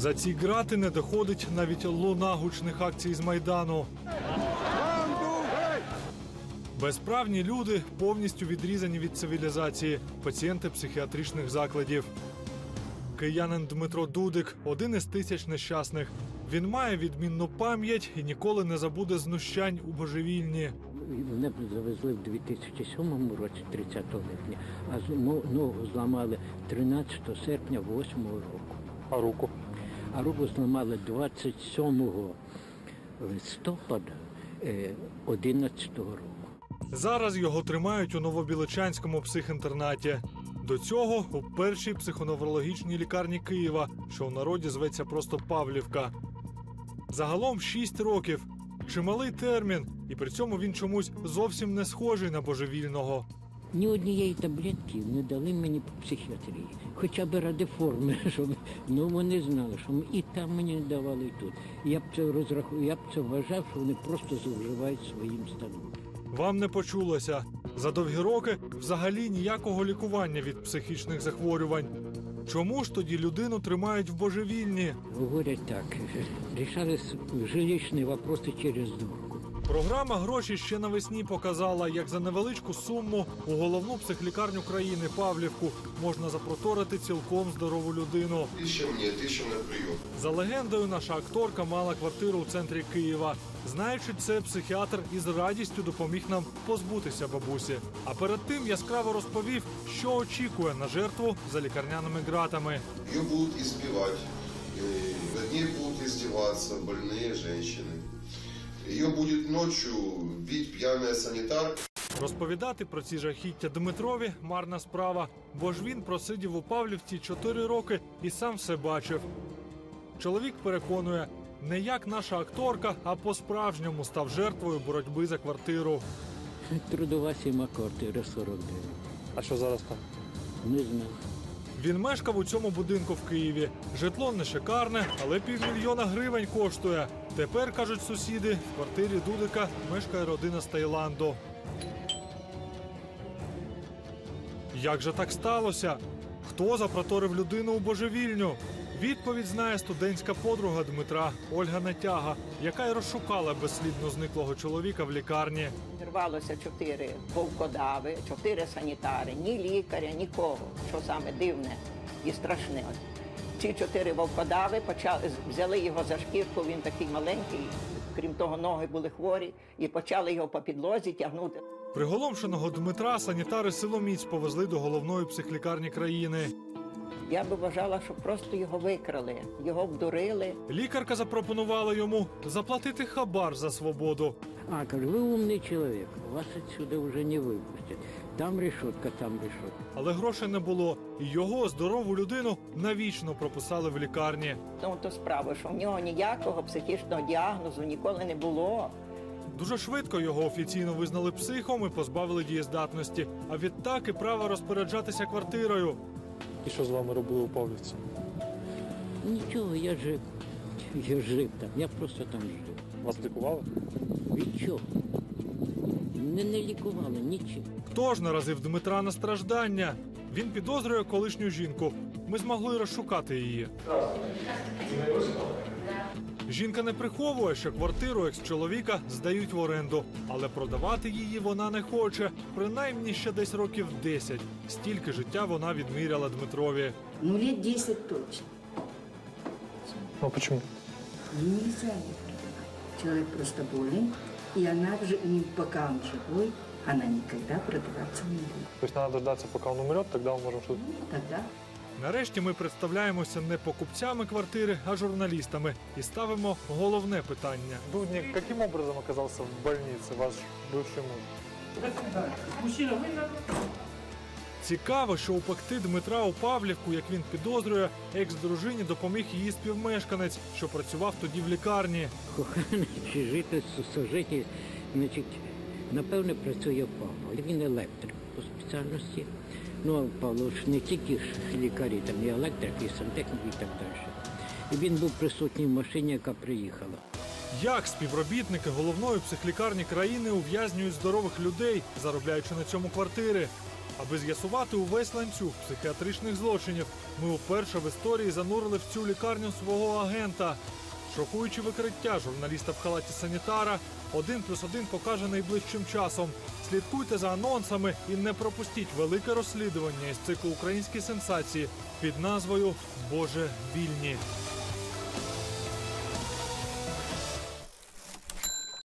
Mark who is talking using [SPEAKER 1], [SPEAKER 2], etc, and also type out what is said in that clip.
[SPEAKER 1] За ці ґрати не доходить навіть луна гучних акцій з Майдану. Безправні люди повністю відрізані від цивілізації, пацієнти психіатричних закладів. Киянин Дмитро Дудик – один із тисяч нещасних. Він має відмінну пам'ять і ніколи не забуде знущань у божевільні.
[SPEAKER 2] Мене завезли в 2007 році, 30 липня, а ногу зламали 13 серпня 2008 року.
[SPEAKER 1] А руку?
[SPEAKER 2] А руку зламали 27 листопада 2011 року.
[SPEAKER 1] Зараз його тримають у Новобіличанському психінтернаті. До цього у першій психоневрологічній лікарні Києва, що у народі зветься просто Павлівка. Загалом 6 років. Чималий термін, і при цьому він чомусь зовсім не схожий на божевільного.
[SPEAKER 2] Ні однієї таблетки не дали мені по психіатрії. Хоча б ради форми, щоб вони знали, що і там мені не давали, і тут. Я б це вважав, що вони просто зловживають своїм станом.
[SPEAKER 1] Вам не почулося. За довгі роки взагалі ніякого лікування від психічних захворювань. Чому ж тоді людину тримають в божевільні?
[SPEAKER 2] Говорять так, рішали жилищні вопроси через дурку.
[SPEAKER 1] Програма «Гроші» ще навесні показала, як за невеличку суму у головну психлікарню країни Павлівку можна запроторити цілком здорову людину.
[SPEAKER 3] 1000 мені, 1000 на прийом.
[SPEAKER 1] За легендою, наша акторка мала квартиру у центрі Києва. Знаючи це, психіатр із радістю допоміг нам позбутися бабусі. А перед тим яскраво розповів, що очікує на жертву за лікарняними ґратами.
[SPEAKER 3] Її будуть избивати, над нею будуть издеваться больні жінки. Її буде ночі бити п'яний санітар.
[SPEAKER 1] Розповідати про ці жахіття Дмитрові – марна справа, бо ж він просидів у Павлівці 4 роки і сам все бачив. Чоловік переконує, не як наша акторка, а по-справжньому став жертвою боротьби за квартиру.
[SPEAKER 2] Трудова сіма, квартира 49.
[SPEAKER 1] А що зараз там?
[SPEAKER 2] Не знаю.
[SPEAKER 1] Він мешкав у цьому будинку в Києві. Житло не шикарне, але 500 000 гривень коштує. Тепер, кажуть сусіди, в квартирі Дудика мешкає родина з Таїланду. Як же так сталося? Хто запроторив людину у божевільню? Відповідь знає студентська подруга Дмитра Ольга Натяга, яка й розшукала безслідно зниклого чоловіка в лікарні.
[SPEAKER 4] Зірвалося 4 вовкодави, 4 санітари, ні лікаря, нікого, що саме дивне і страшне. Ці 4 вовкодави взяли його за шкірку, він такий маленький, крім того, ноги були хворі, і почали його по підлозі тягнути.
[SPEAKER 1] Приголомшеного Дмитра санітари силоміць повезли до головної психлікарні країни.
[SPEAKER 4] Я би вважала, що просто його викрали, його обдурили.
[SPEAKER 1] Лікарка запропонувала йому заплатити хабар за свободу.
[SPEAKER 2] А, кажу, ви умний чоловік, вас відсюди вже не випустять. Там решетка, там решетка.
[SPEAKER 1] Але грошей не було, і його, здорову людину, навічно прописали в лікарні.
[SPEAKER 4] Ну, то справа, що в нього ніякого психічного діагнозу ніколи не було.
[SPEAKER 1] Дуже швидко його офіційно визнали психом і позбавили дієздатності, а відтак і права розпоряджатися квартирою. І що з вами робили у Павлівці?
[SPEAKER 2] Нічого, я жив. Я жив там, я просто там жив.
[SPEAKER 1] Вас лікували?
[SPEAKER 2] Від чого? Не лікували, нічим.
[SPEAKER 1] Хто ж наразив Дмитра на страждання? Він підозрює колишню жінку. Ми змогли розшукати її. Жінка не приховує, що квартиру екс-чоловіка здають в оренду. Але продавати її вона не хоче. Принаймні ще десь років 10. Стільки життя вона відміряла Дмитрові.
[SPEAKER 5] Ну, лет 10 точно.
[SPEAKER 1] Ну, чому?
[SPEAKER 5] Нельзя ее продавать. Человек просто болен, и она уже, пока он живой, она никогда продаваться не будет.
[SPEAKER 1] Тобто треба дождатися, поки він умре, тоді ми можемо щось...
[SPEAKER 5] Тогда
[SPEAKER 1] Нарешті ми представляємося не покупцями квартири, а журналістами. І ставимо головне питання. Дудник, яким образом оказався в больниці ваш бивший муж? Цікаво, що упекти Дмитра у Павлівку, як він підозрює, екс-дружині допоміг її співмешканець, що працював тоді в лікарні.
[SPEAKER 2] Коханий чи житель, сожитель, значить, напевне, працює в Павло. Він електрик по спеціальності. Ну, а Павло ж не тільки ж лікарі, там і електрик, і сантехнік, і так далі. І він був присутній в машині, яка приїхала.
[SPEAKER 1] Як співробітники головної психлікарні країни ув'язнюють здорових людей, заробляючи на цьому квартири? Аби з'ясувати увесь ланцюг психіатричних злочинів, ми вперше в історії занурили в цю лікарню свого агента. Шокуючі викриття журналіста в халаті санітара 1+1 покаже найближчим часом. Слідкуйте за анонсами і не пропустіть велике розслідування із циклу «Українські сенсації» під назвою «Боже, вільні».